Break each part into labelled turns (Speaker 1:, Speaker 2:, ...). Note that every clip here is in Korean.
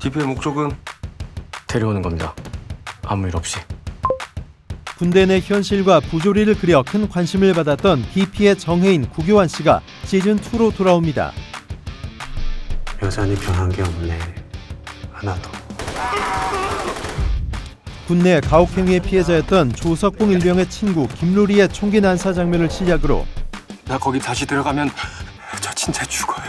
Speaker 1: DP의 목적은 데려오는 겁니다. 아무 일 없이.
Speaker 2: 군대 내 현실과 부조리를 그려 큰 관심을 받았던 DP의 정혜인, 구교환 씨가 시즌2로 돌아옵니다.
Speaker 3: 여전히 변한 게 없네. 하나도.
Speaker 2: 군내 가혹행위의 피해자였던 조석봉 일병의 친구 김루리의 총기 난사 장면을 시작으로
Speaker 1: 나 거기 다시 들어가면 저 진짜 죽어요.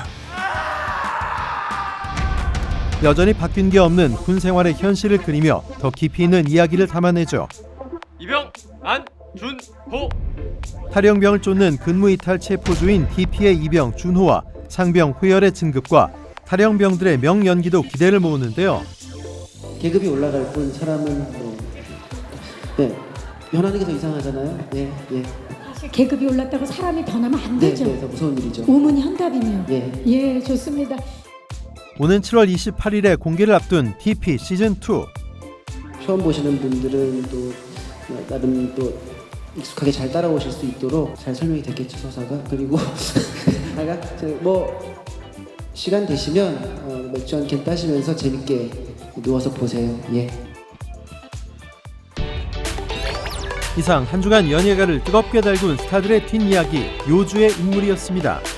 Speaker 2: 여전히 바뀐 게 없는 군 생활의 현실을 그리며 더 깊이 있는 이야기를 담아내죠.
Speaker 1: 이병 안준호.
Speaker 2: 탈영병을 쫓는 근무이탈 체포주인 DP의 이병 준호와 상병 후열의 진급과 탈영병들의 명연기도 기대를 모으는데요.
Speaker 4: 계급이 올라갈 뿐 사람은 변하는 게 더 이상하잖아요.
Speaker 5: 사실 계급이 올랐다고 사람이 변하면 안 되죠.
Speaker 4: 더 무서운 일이죠.
Speaker 5: 오문이 현답이네요.
Speaker 4: 예.
Speaker 5: 좋습니다.
Speaker 2: 오는 7월 28일에 공개를 앞둔 DP 시즌2.
Speaker 4: 처음 보시는 분들은 또 나름 또 익숙하게 잘 따라오실 수 있도록 잘 설명이 됐겠죠, 서사가. 그리고 뭐 시간 되시면 맥주 한 캔 따시면서 재밌게 누워서 보세요. 예.
Speaker 2: 이상 한 주간 연예가를 뜨겁게 달군 스타들의 뒷이야기 요주의 인물이었습니다.